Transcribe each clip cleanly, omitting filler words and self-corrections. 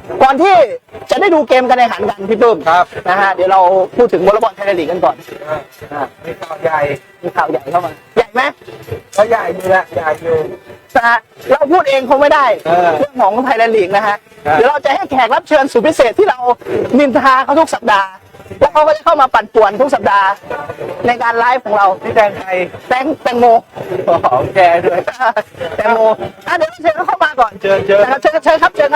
ก่อนที่จะได้ดูเกมการแข่งขันกันพี่ปื้มครับนะฮะเดี๋ยวเราพูดถึงวอลเลย์บอลไทยลีกกันก่อนมีข่าวใหญ่เข้ามาใหญ่ไหมก็ใหญ่อยู่แล้วใหญ่อยู่นะฮะเราพูดเองคงไม่ได้เรื่องของไทยลีกนะฮะเดี๋ยวเราจะให้แขกรับเชิญสุดพิเศษที่เรานินทาเขาทุกสัปดาห์แล้วเขาก็จะเข้ามาปั่นป่วนทุกสัปดาห์ในการไลฟ์ของเราพี่แตงไทยแตงโมแกด้วยแตงโมเดี๋ยวเชิญเขาเข้ามาก่อนเชิญครับสวัส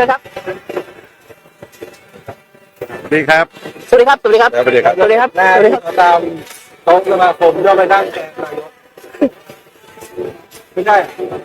ดีครับสวัสดีครับสวัสดีครับสวัสดีครับสวัสดีครับสวัสดีครับตามโต๊ะสมาคมย่อไปนั่งแทนนายกไม่ใช่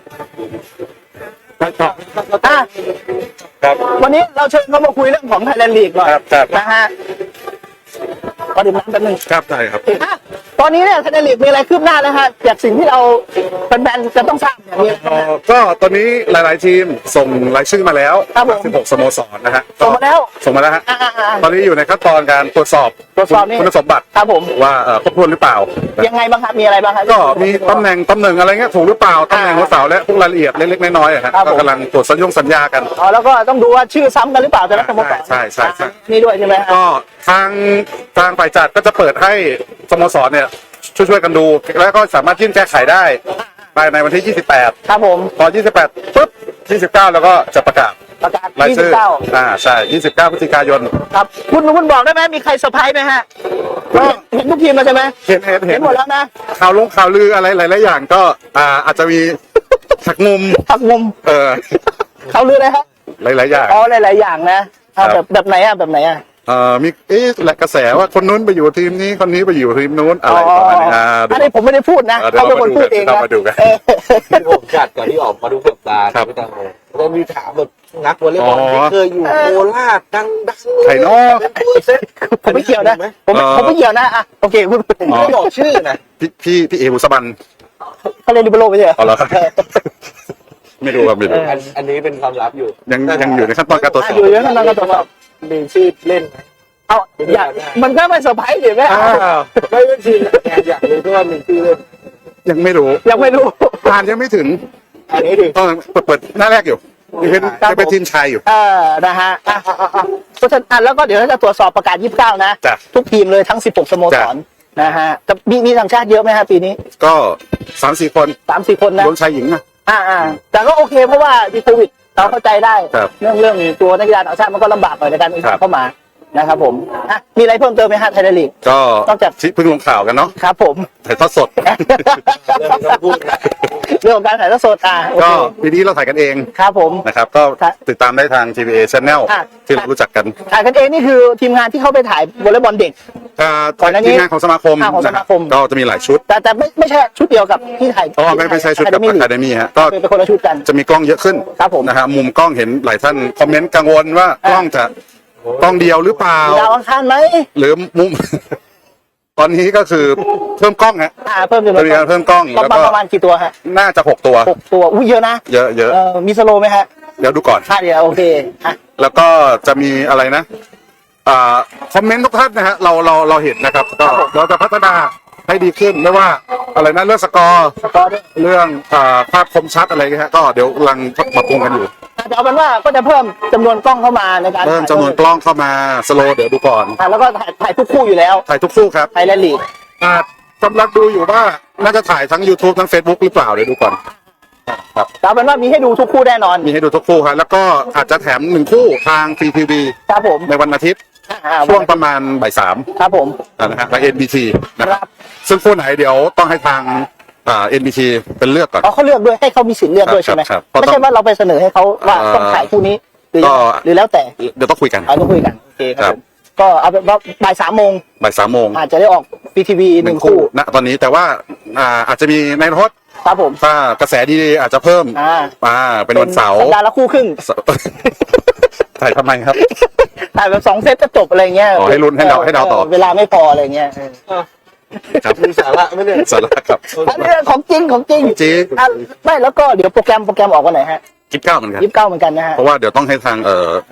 ครับวันนี้เราเชิญเขามาคุยเรื่องของไทยแลนด์ลีกหน่อยนะฮะก็ดื่มน้ำแป๊บนึงครับใช่ครับตอนนี้เนี่ยไทยแลนด์ลีกมีอะไรคืบหน้าแล้วฮะจากสิ่งที่เราแฟนๆจะต้องทราบเนี่ยมีก็ตอนนี้หลายๆทีมส่งรายชื่อมาแล้ว16สโมสรนะฮะส่งมาแล้วฮะตอนนี้อยู่ในขั้นตอนการตรวจสอบคุณสมบัติครับผมว่าครบถ้วนหรือเปล่ายังไงบ้างครับมีอะไรบ้างครับก็มีตำแหน่งอะไรเงี้ยถูกหรือเปล่าตำแหน่งหัวเสาและพวกรายละเอียดเล็กๆน้อยๆก็กำลังตรวจสัญญากันแล้วก็ต้องดูว่าชื่อซ้ำกันหรือเปล่าแต่ละสโมสรใช่นี่ด้วยใช่ไหมก็ทางฝ่ายจัดก็จะเปิดให้สโมสรเนี่ยช่วยกันดูแล้วก็สามารถยื่นแก้ไขได้ภายในวันที่28 ครับผมพอ28ปุ๊บ29แล้วก็จะประกาศรายชื่อใช่29พฤศจิกายนครับคุณบอกได้ไหมมีใครเซอร์ไพรส์ไหมฮะก็เห็นทุกทีมแล้วใช่ไหมเห็นหมดแล้วนะข่าวลืออะไรหลายๆอย่างก็อาจจะมีหักมุมข่าวลืออะไรครับหลายๆอย่างหลายๆอย่างนะแบบไหนมีแหละกระแสว่าคนนู้นไปอยู่ทีมนี้คนนี้ไปอยู่ทีมนู้นอะไรประมาณนี้อันนี้ผมไม่ได้พูดนะเขาเป็นคนพูดเองนะมาดูกันผมจัดก่อนที่ออกมาดูกับตาพี่แตงโมเรามีถามแบบนักวอลเลย์บอลที่เคยอยู่โคราชดังไข่นอผมไม่เกี่ยวนะผมไม่เกี่ยวนะโอเคคุณไม่บอกชื่อนะพี่เอบุษบันเขาเรียนลิเบโร่ไม่ใช่เหรอไม่รู้ครับไม่รู้อันนี้เป็นความลับอยู่ยังอยู่ในขั้นตอนการตรวจสอบอยู่ในขั้นตอนการตรวจสอบมีชื่อเล่นไหมมันก็ไม่เซอร์ไพรส์เดี๋ยวแม่ไม่เป็นทีมอยากรู้ว่ามีชื่อเล่นยังไม่รู้ผ่านยังไม่ถึงอันนี้ถึงต้องเปิดหน้าแรกอยู่เป็นทีมชายอยู่นะฮะเพราะฉะนั้นแล้วก็เดี๋ยวจะตรวจสอบประกาศ29นะทุกทีมเลยทั้ง16สโมสรนะฮะมีต่างชาติเยอะไหมฮะปีนี้ก็3-4 คนนะรวมชายหญิงนะแต่ก็โอเคเพราะว่ามีโควิดเราเข้าใจได้เรื่องตัวนักกีฬาต่างชาติมันก็ลำบากหน่อยในการเข้ามานะครับผมมีอะไรเพิ่มเติมไหมฮะไทยลีกก็นอกจากเพิ่งลงข่าวกันเนาะครับผมถ่ายทอดสดเรื่องของการถ่ายทอดสดก็ปีนี้เราถ่ายกันเองครับผมนะครับก็ติดตามได้ทาง TVA Channel ที่เรารู้จักกันถ่ายกันเองนี่คือทีมงานที่เข้าไปถ่ายวอลเลย์บอลเด็กทีมงานของสมาคมก็จะมีหลายชุดแต่ไม่ใช่ชุดเดียวกับที่ถ่ายไม่ใช่ชุดกับอะคาเดมี่ฮะก็เป็นคนละชุดกันจะมีกล้องเยอะขึ้นครับผมนะฮะมุมกล้องเห็นหลายท่านคอมเมนต์กังวลว่ากล้องจะกล้องเดียวหรือเปล่าดาวอังคารไหมหรือมุมตอนนี้ก็คือเพิ่มกล้องฮะเพิ่มมีการเพิ่มกล้องแล้วก็ประมาณกี่ตัวฮะน่าจะ6 ตัวอุ้ยเยอะนะเยอะมีสโลว์ไหมฮะเดี๋ยวดูก่อนเดี๋ยวโอเคแล้วก็จะมีอะไรนะคอมเมนต์ทุกท่านนะฮะเราเห็นนะครับก็เราจะพัฒนาให้ดีขึ้นไม่ว่าอะไรนะเรื่องสกอร์เรื่องภาพคมชัดอะไรเงี้ยก็เดี๋ยวกำลังปรับปรุงกันอยู่แต่เอาเป็นว่าก็จะเพิ่มจำนวนกล้องเข้ามาในการเพิ่มจำนวนกล้องเข้ามาสโลว์เดี๋ยวดูก่อนแล้วก็ถ่ายทุกคู่อยู่แล้วถ่ายทุกคู่ครับไทยแลนด์ลีกกำลังดูอยู่ว่าน่าจะถ่ายทั้ง YouTube ทั้ง Facebook หรือเปล่าเดี๋ยวดูก่อนครับเอาเป็นว่ามีให้ดูทุกคู่แน่นอนมีให้ดูทุกคู่ครับแล้วก็อาจจะแถม1 คู่ทางฟรีทีวีครับผมในวันอาทิตย์ช่วงประมาณบ่าย 3 ครับผมนะฮะทาง NBT นะครับซึ่งคู่ไหนเดี๋ยวต้องให้ทางNBT เป็นเลือกก่อนเขาเลือกด้วยให้เขามีสิทธิ์เลือกด้วยใช่ไหมไม่ใช่ว่าเราไปเสนอให้เขาว่าต้องถ่ายคู่นี้หรือแล้วแต่เดี๋ยวต้องคุยกันต้องคุยกันโอเคครับก็เอาเป็นว่าบ่าย 3 โมงอาจจะได้ออกฟรีทีวี1 คู่ณตอนนี้แต่ว่าอาจจะมีในรถครับผมถ้ากระแสดีอาจจะเพิ่มเป็นวันเสาร์สัปดาห์ละคู่ครึ่งถ่ายทำไมครับถ่ายแบบ2 เซตจะจบอะไรเงี้ยให้ลุ้นให้เราต่อเวลาไม่พออะไรเงี้ยครับมีสาระไม่เนี่ยสาระครับอันนี้ของจริงไม่แล้วก็เดี๋ยวโปรแกรมออกวันไหนฮะ 29เหมือนกัน 29เหมือนกันนะฮะเพราะว่าเดี๋ยวต้องให้ทาง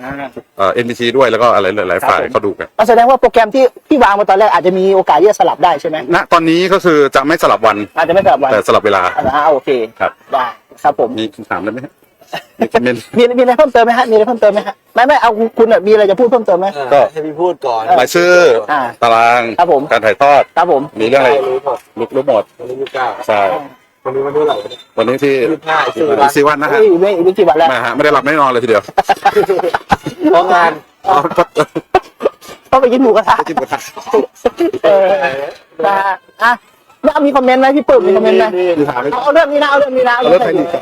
NBT ด้วยแล้วก็อะไรหลายฝ่ายเขาดูกันแสดงว่าโปรแกรมที่วางมาตอนแรกอาจจะมีโอกาสที่จะสลับได้ใช่ไหมณตอนนี้ก็คือจะไม่สลับวันอาจจะไม่สลับวันแต่สลับเวลาโอเคครับได้ครับผมมีคำถามได้ไหมมีคอมเมนต์มีอะไรเพิ่มเติมไหมฮะมีอะไรเพิ่มเติมไหมฮะไม่เอาคุณมีอะไรจะพูดเพิ่มเติมไหมก็ให้พี่พูดก่อนรายชื่อตารางครับผมการถ่ายทอดครับผมมีเรื่องอะไรรู้หมดรู้หมดวันนี้29 ใช่วันนี้วันเท่าไหร่เนี่ยวันนี้ที่ 25 4 วันนะฮะไม่กี่วันแล้วมาฮะไม่ได้หลับไม่ได้นอนเลยทีเดียวเพราะงานต้องไปกินหมูกระทะกินหมูกระทะนะฮะอ่ะแล้วมีคอมเมนต์ไหมพี่ปื้มมีคอมเมนต์ไหมมีถามไหมเอาเรื่องนี้นะเอาเรื่องนี้นะเอาเรื่องไทยลีก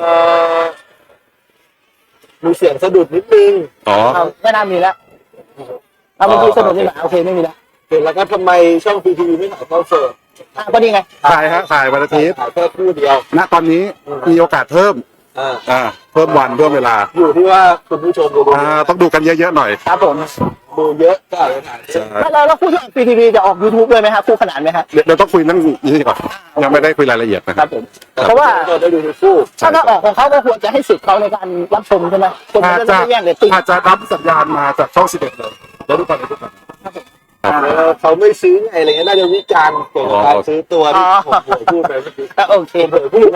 มีเสียงสะดุดนิดนึงอ๋อเอาไม่น่ามีแล้วเอาเมื่อกี้สนุกนี่แหละโอเคไม่มีแล้วเห็นแล้วก็ทำไมช่องพีทีวีไม่ถ่ายเข้าเสิร์ฟก็นี่ไงถ่ายฮะถ่ายวันอาทิตย์ถ่ายแค่คู่เดียวณตอนนี้มีโอกาสเพิ่ม เพิ่มวันเพิ่มเวลาอยู่ที่ว่าคุณผู้ชมจะดูต้องดูกันเยอะๆหน่อยครับผมดูเยอะก็อาจจะถ่ายใช่แล้วคู่ที่ออกทีวีจะออก YouTube ด้วยไหมครับคู่ขนานไหมครับเดี๋ยวต้องคุยเรื่องนี้ก่อนยังไม่ได้คุยรายละเอียดนะคครัรับบผมเพราะว่าก็ได้ดูทุกคู่ถ้าออกของเขาก็ควรจะให้สิทธิ์เขาในการรับชมใช่ไหมคนอาจจะจะไม่แย่งเรตติ้งอาจจะรับสัญญาณมาจากช่อง11เลยแล้วดูกันเลยทุกคนเขาไม่ซื้อไงอะไรเงี้ยน่าจะวิจารณ์เกี่ยวกับการซื้อตัวที่ผมเผยพูดไปเมื่อกี้โอเคเผยพูดนะ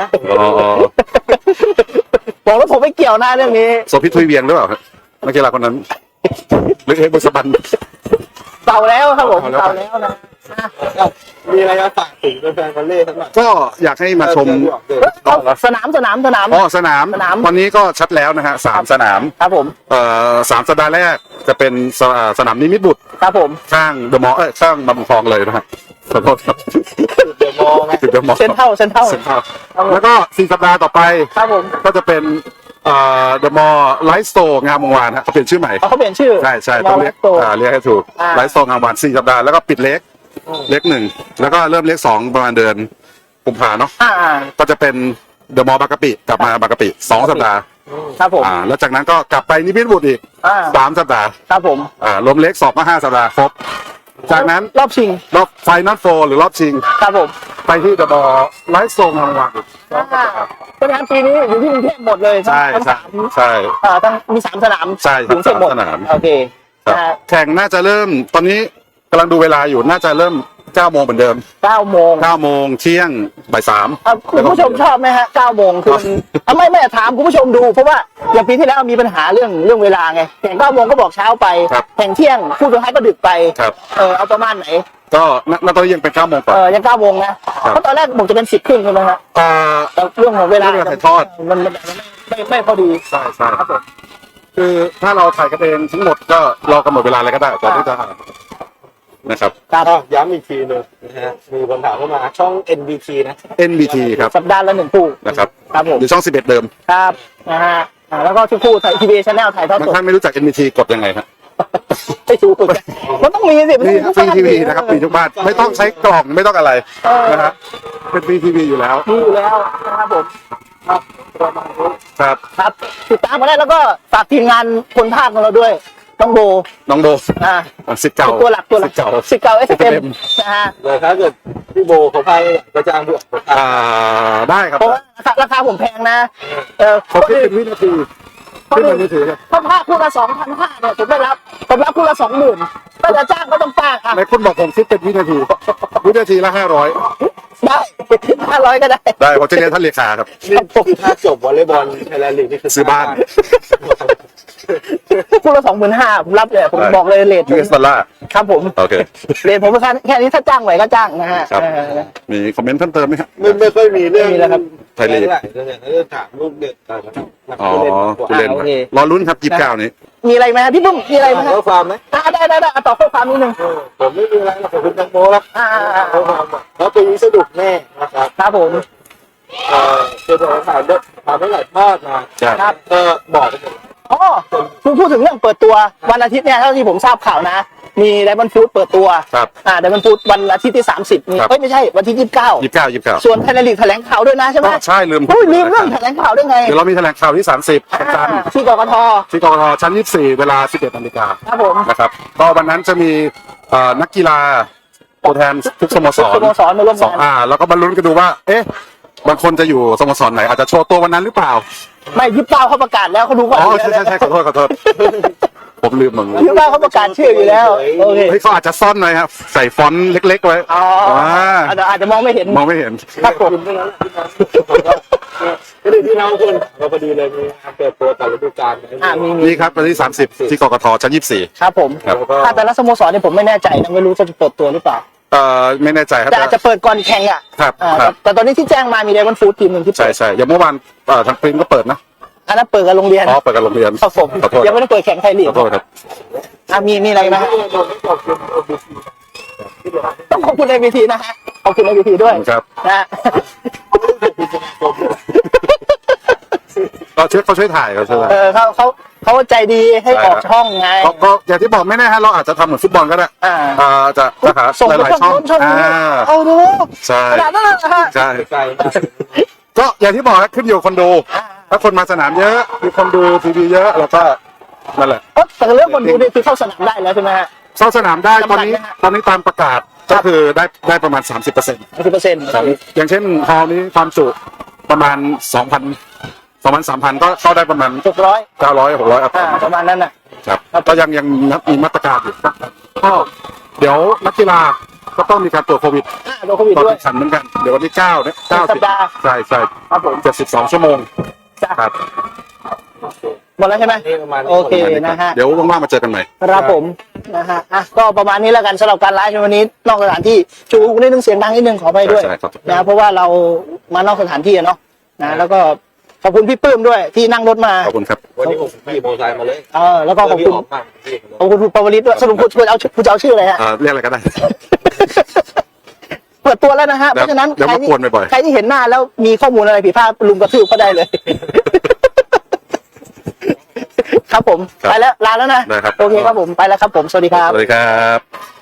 บอกแล้วผมไม่เกี่ยวนะเรื่องนี้โซพิทุยเวียงหรือเปล่านักกีฬาคนนั้นหรือเอกบุษบันเก่าแล้วครับผมเก่าแล้วเก่าแล้วนะมีอะไรมาฝากถึงแฟนๆวอลเลย์ทั้งหมดก็อยากให้มาชมสนามสนามสนามตอนนี้ก็ชัดแล้วนะฮะ3 สนามครับผม 3 สัปดาห์แรกจะเป็นสนามนิมิตรบุตรครับผมข้างเดอะมอลล์ข้างบำรุงทองเลยนะฮะขอโทษครับเดี๋ยวมองไงติดเดอะมอลล์เซนเท่าเซ็นทรัลแล้วก็4 สัปดาห์ต่อไปครับผมก็จะเป็นเดอะมอลล์ไลฟ์สโตร์งามวงวานฮะเขาเปลี่ยนชื่อใหม่เขาเปลี่ยนชื่อใช่ต้องเรียกตัวเรียกให้ถูกไลฟ์สโตร์งามวงวาน4 สัปดาห์แล้วก็ปิดเล็ก 1แล้วก็เริ่มเล็ก2ประมาณเดือนกุมภาเนาะ ก็จะเป็นเดอะมอลล์บางกะปิกลับมาบางกะปิ2 สัปดาห์ครับผมแล้วจากนั้นก็กลับไปนิมิตรบุตรอีก3 สัปดาห์ครับผมรวมเล็ก2ก็5 สัปดาห์ครบจากนั้นรอบชิงรอบไฟนอลโฟหรือรอบชิงครับผมไปที่เดอะมอลล์ไลฟ์สโตร์งามวงวานอีกเพราะฉะนั้นปีนี้อยู่ที่กรุงเทพหมดเลยใช่ทั้งใช่สามใช่ทั้งมี3 สนามใช่กรุงเทพหมด 3 สนามโอเคครับแข่งน่าจะเริ่มตอนนี้กำลังดูเวลาอยู่น่าจะเริ่ม9 โมงเหมือนเดิม 9 โมง 9 โมงเที่ยงบ่าย 3 คุณผู้ชมชอบไหมฮะ 9 โมงคือไม่ถามคุณผู้ชมดู เพราะว่าอย่างปีที่แล้วมีปัญหาเรื่องเวลาไงแข่ง9 โมงก็บอกเช้าไปแข่งเที่ยงคู่สุดท้ายก็ดึกไปครับเอาประมาณไหนก็ณตอนนี้ยังเป็น9 โมงกว่ายัง9 โมงนะเพราะตอนแรกบอกจะเป็น10 ครึ่งใช่ไหมฮะแต่เรื่องของเวลาเรื่องถ่ายทอดมันไม่พอดีใช่ใช่ครับผมคือถ้าเราถ่ายกันเองทั้งหมดก็เรากำหนดเวลาอะไรก็ได้ก่อนที่จะนะครับครับย้ำอีกทีหนึงนะฮะมีคำถามเข้ามาช่อง NBT นะ NBT ครับสัปดาห์ละ1 คู่นะครับครับผมหรือช่อง11เดิมครับนะฮะแล้วก็ทุกคู่ไทยทีวีชแนลถ่ายทอดบางสดท่านไม่รู้จัก NBT กดยังไงครับไม่ถูกมันต้องมีสินี่ฟรีทีวีนะครับฟรีทุกบ้านไม่ต้องใช้กล่องไม่ต้องอะไรนะฮะเป็นฟรีทีวีอยู่แล้วมีอยู่แล้วนะครับผมครับประมาณนี้ครับครับติดตามมาได้แล้วก็ฝากทีมงานคนภาคของเราด้วยน้องโบน้องโบสิทสิทธิ์เก่าตัวหลักสิทธิ์เก่าสิทธิ์เก่า SFM นะฮะแต่ถ้าเกิดพี่โบเขาพายก็จ้างพี่ออกได้ครับเพราะว่าราคาผมแพงนะเขาคิดเป็นวินาทีขึ้นมามือถือครับถ้าภาคคู่ละ2,500เนี่ยผมรับคู่ละ20,000ก็จะจ้างก็ต้องจ้างอ่ะในคุณบอกผมคิดเป็นวินาทีละ500 ได้500ก็ได้ได้ผมจะเรียนท่านเลขาครับนี่ถ้าจบวอลเลย์บอลไทยแลนด์ลีกนี่คือซื้อบ้านคู่ละ25,000ผมรับเลยผมบอกเลยเรท US ดอลลาร์ครับผมโอเคเรทผมแค่นี้ถ้าจ้างไหวก็จ้างนะฮะครับ มีคอมเมนต์เพิ่มเติมไหมครับไม่ค่อยมีเรื่องไม่มีแล้วครับไทยลีกเรื่องถามลูกเด็กกันนะครับอ๋อผู้เล่นผู้เล่นโอเครอลุ้นครับ29นี้มีอะไรไหมฮะพี่ปุ้มมีอะไรไหมฮะข้อความไหมได้ต่อข้อความนิดนึงผมไม่มีอะไรหรอกผมเป็นแตงโมแล้วอ่าข้อความแล้วปีนี้สนุกแน่นะครับครับผมเจอถามด้วยถามไม่หลายทอดมาใช่ครับก็บอกไปหมดอ๋อคุณพูดถึงเรื่องเปิดตัววันอาทิตย์เนี่ยเท่าที่ผมทราบข่าวนะ มีไดมอนด์ฟูดเปิดตัวครับไดมอนด์ฟูดวันอาทิตย์ที่30นี่ครับไม่ใช่วันที่29 29 ส่วนไทยแลนด์ลีกแถลงข่าวด้วยนะใช่ไหมใช่ลืมอุ้ยลืมเรื่องแถลงข่าวด้วยไงเดี๋ยวเรามีแถลงข่าวที่30วันจันทร์ที่กกทที่กกทชั้น24เวลา 11 นาฬิกาครับผมนะครับก็วันนั้นจะมีนักกีฬาตัวแทนทุกสโมสรสโมสรมาร่วมสองงานแล้วก็บรรลุนกันดูว่า เอ๊ะบางคนจะอยู่สโมสรไหนอาจจะโชว์ตัววันนั้นหรือเปล่าไม่29เขาประกาศแล้วเขาดูก่อนอ๋อใช่ขอโทษผมลืมมึง 29เขาประกาศชื่ออยู่แล้วโอเคเฮ้ยเขาอาจจะซ่อนหน่อยครับใส่ฟอนต์เล็กๆไว้อ๋ออาจจะมองไม่เห็นมองไม่เห็นครับผมคุณไม่รู้ก็เลยที่เราคนเราพอดีเลยมีการเปิดตัวแต่ฤดูกาลมีนี่ครับวันที่30ที่กกทชั้น24 ครับผมครับถ้าแต่ละสโมสรเนี่ยผมไม่แน่ใจนะไม่รู้จะเปิดตัวหรือเปล่าไม่แน่ใจครับแต่อาจจะเปิดก่อนแข่งอ่ะครับแต่แต่ตอนนี้ที่แจ้งมามีไดมอนด์ฟู้ดทีมหนึ่งที่ใช่เปิดใช่อย่างเมื่อวานทางปริ้นก็เปิดนะอันนั้นเปิดกับโรงเรียนอ๋อเปิดกับโรงเรียนครับผมขอโทษยังไม่ได้เปิดแข่งไทยลีกขอโทษครับมีอะไรไหมฮะต้องขอบคุณในวีทีนะฮะขอบคุณในวีทีด้วยครับนะฮะก็เขาช่วยถ่ายเขาช่วยถ่ายเขาใจดีให้ออกช่องไงก็อย่างที่บอกไม่แน่ฮะเราอาจจะทำเหมือนฟุตบอลก็ได้ จะหาส่งหไปลายๆช่องช่องนี้เอาดูใช่ขนาดนั้นนะฮะใช่ใช่ก็อย่างที่บอกครับขึ้นอยู่คนดู ถ้าคนมาสนามเยอะมีคนดูทีวีเยอะแล้วก็นั่นแหละแต่เรื่องคนดูนี่คือเข้าสนามได้แล้วใช่ไหมฮะเข้าสนามได้ตอนนี้จำกัดไหมฮะตอนนี้ตามประกาศก็คือได้ประมาณ 30% 10% อย่างเช่นฮอลล์นี้ความจุประมาณ 2,000-3,000 ก็เข้าได้ประมาณ 600 900 600อัพประมาณนั้นน่ะครับก็ยังมีมาตรการอยู่ก็เดี๋ยวนักกีฬาก็ต้องมีการตรวจโควิดโดนโควิดตอนด้วยแข่งขันเหมือนกันเดี๋ยววันที่9เนี่ยสัปดาห์ใช่ใช่ครับผม 72 ชั่วโมงจ้ะครับหมดแล้วใช่ไหมนี่ประมาณโอเคนะฮะเดี๋ยวว่างๆมาเจอกันใหม่ครับผมนะฮะก็ประมาณนี้แล้วกันสำหรับการไลฟ์ในวันนี้นอกสถานที่ชูนิดนึงเสียงดังนิดนึงขอไปด้วยใช่ครับนะเพราะว่าเรามานอกสถานที่อะเนาะนะแล้วก็ขอบคุณพี่ปื้มด้วยที่นั่งรถมาขอบคุณครับวันนี้ผมขี่มอเตอร์ไซค์มาเลยแล้วก็ขอบคุณออกบ้างพี่ขอบคุณคุณปวริศด้วยสรุปคุณจะเอาชื่ออะไรฮะเรียกอะไรก็ได้เปิดตัวแล้วนะฮะเพราะฉะนั้นเดี๋ยวใครมากวนบ่อยๆใครที่เห็นหน้าแล้วมีข้อมูลอะไรผิดพลาดลุมกระทืบก็ได้เลย ครับผมครับไปแล้วลาแล้วนะได้ครับโอเคครับผมไปแล้วครับผมสวัสดีครับสวัสดีครับ